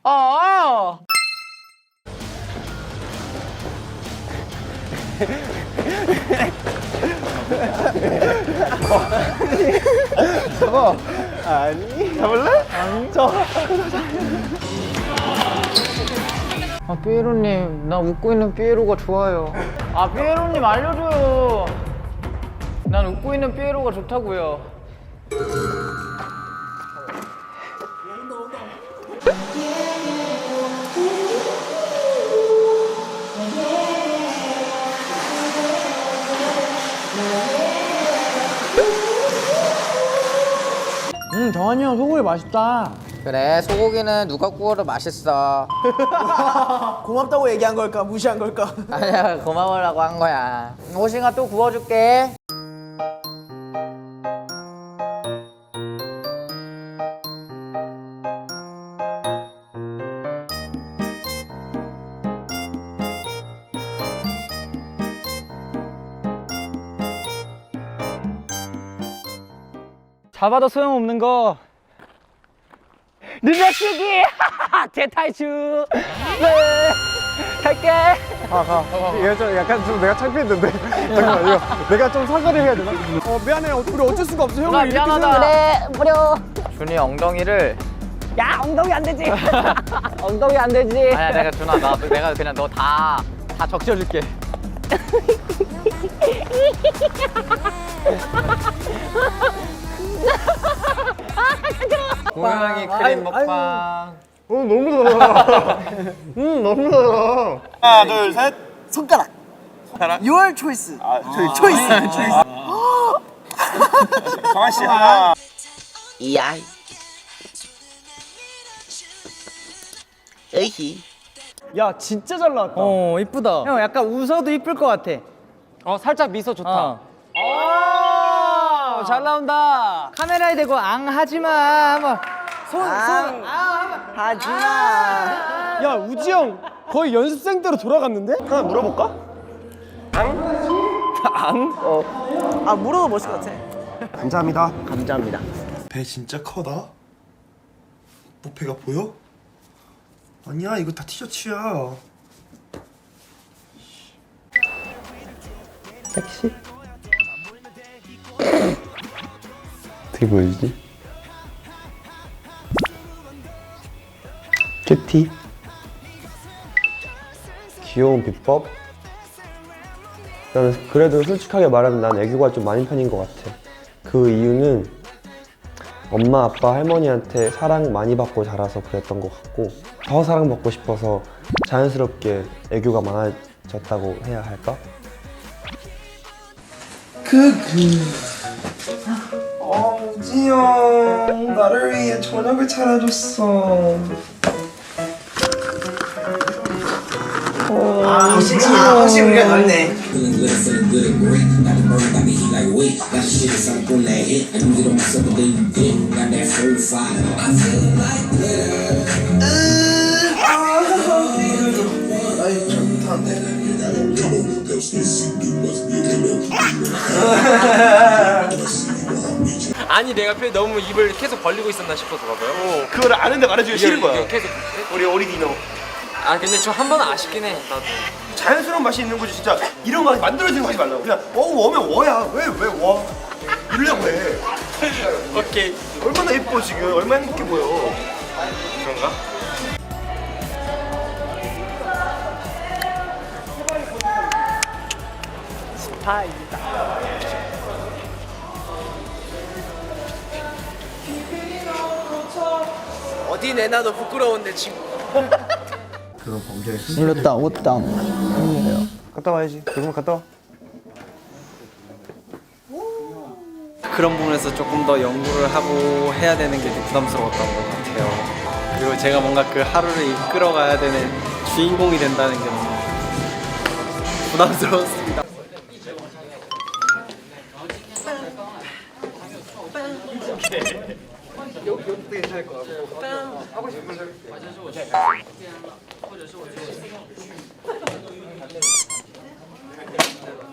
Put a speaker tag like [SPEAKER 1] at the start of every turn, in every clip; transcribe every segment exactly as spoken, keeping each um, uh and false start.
[SPEAKER 1] 아!
[SPEAKER 2] 잡아. 아니. 잡을래? 아니. 저.
[SPEAKER 1] 아, 삐에로님, 나 웃고 있는 삐에로가 좋아요. 아, 삐에로님 알려줘요. 난 웃고 있는 삐에로가 좋다고요. 음, 정한이 형 소고기 맛있다.
[SPEAKER 3] 그래, 소고기는 누가 구워도 맛있어.
[SPEAKER 2] 고맙다고 얘기한 걸까? 무시한 걸까?
[SPEAKER 3] 아니야, 고마워라고 한 거야. 호싱아 또 구워줄게.
[SPEAKER 1] 잡아도 소용없는 거 늘려치기! 대탈주! 네! 갈게!
[SPEAKER 2] 가, 가. 얘 좀 약간 좀 내가 창피했는데. 잠깐만, 이거 내가 좀 사과를 해야 되나? 어, 미안해. 우리 어쩔 수가 없어. 형을 이렇게
[SPEAKER 1] 미안하다.
[SPEAKER 2] 생각해.
[SPEAKER 3] 그래, 버려. 준이 엉덩이를.
[SPEAKER 1] 야, 엉덩이 안 되지! 엉덩이 안 되지!
[SPEAKER 3] 아니야, 내가 준아, 나, 내가 그냥 너 다, 다 적셔줄게. 고양이 크림 먹방.
[SPEAKER 2] 어, 너무 달아. 음, 너무 달아.
[SPEAKER 4] 하나 둘 셋.
[SPEAKER 5] 손가락.
[SPEAKER 4] 손가락.
[SPEAKER 5] Your choice.
[SPEAKER 4] 아 저희
[SPEAKER 5] 초이스.
[SPEAKER 4] 정한 씨 하나.
[SPEAKER 5] 이아이. 에이.
[SPEAKER 2] 야, 진짜 잘 나왔다.
[SPEAKER 1] 어, 이쁘다. 형, 약간 웃어도 이쁠 것 같아. 어, 살짝 미소 좋다. 어. 오, 잘 나온다. 카메라에 대고 앙 하지 마. 뭐. 손, 손.
[SPEAKER 5] 하지마.
[SPEAKER 2] 야, 우지 형 거의 연습생 때로 돌아갔는데? 하나 물어볼까?
[SPEAKER 5] 아 물어도 멋있을 것 같아.
[SPEAKER 4] 감사합니다.
[SPEAKER 2] 감사합니다.
[SPEAKER 4] 배 진짜 커다. 부페가 보여? 아니야 이거 다 티셔츠야.
[SPEAKER 6] 어떻게 보여주지? 큐티 귀여운 비법? 나는 그래도 솔직하게 말하면 난 애교가 좀 많은 편인 것 같아. 그 이유는 엄마, 아빠, 할머니한테 사랑 많이 받고 자라서 그랬던 것 같고 더 사랑받고 싶어서 자연스럽게 애교가 많아졌다고 해야 할까?
[SPEAKER 4] 어 우지 형 나를 위해 저녁을 차려줬어.
[SPEAKER 5] 확실히 확실히 우리가 낫네.
[SPEAKER 7] 아니 내가 표 너무 입을 계속 벌리고 있었나 싶어서 봐봐요.
[SPEAKER 4] 그거를 아는데 말해주기 싫은 거야.
[SPEAKER 7] 이게 계속.
[SPEAKER 4] 우리 어리 디노.
[SPEAKER 7] 아 근데 저 한 번은 아쉽긴 해. 나도.
[SPEAKER 4] 자연스러운 맛이 있는 거지 진짜. 이런 맛 만들어지는 거 하지 말라고. 그냥 어 워면 워야. 왜 왜 워? 이러려고 해.
[SPEAKER 7] 오케이.
[SPEAKER 4] 얼마나 예뻐 지금. 얼마나 행복해 보여.
[SPEAKER 7] 그런가?
[SPEAKER 5] 어디 내놔도 부끄러운데 친구.
[SPEAKER 1] 눌렀다, 옷당.
[SPEAKER 2] 갔다 와야지. 조금 갔다 와.
[SPEAKER 7] 그런 부분에서 조금 더 연구를 하고 해야 되는 게 좀 부담스러웠던 것 같아요. 그리고 제가 뭔가 그 하루를 이끌어가야 되는 주인공이 된다는 게 너무 부담스러웠습니다.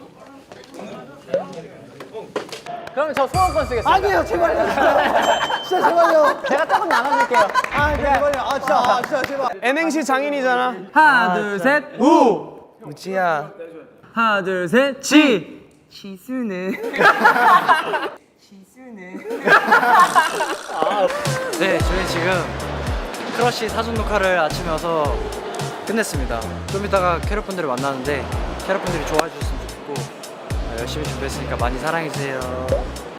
[SPEAKER 1] 그럼 저 소원권 쓰겠습니다.
[SPEAKER 2] 아니에요, 제발요. 진짜 제발요.
[SPEAKER 3] 제가 조금 나눠줄게요.
[SPEAKER 2] 아 제발요. 아 진짜 아 진짜 제발. N행시 장인이잖아.
[SPEAKER 1] 하나 둘 셋.
[SPEAKER 2] 우.
[SPEAKER 5] 우지야.
[SPEAKER 1] 하나 둘 셋. 지.
[SPEAKER 5] 지수는.
[SPEAKER 7] 네, 저희 지금 크러쉬 사전 녹화를 아침에 와서 끝냈습니다. 좀 이따가 캐럿분들을 만나는데 캐럿분들이 좋아해 주셨으면 좋겠고 어, 열심히 준비했으니까 많이 사랑해 주세요.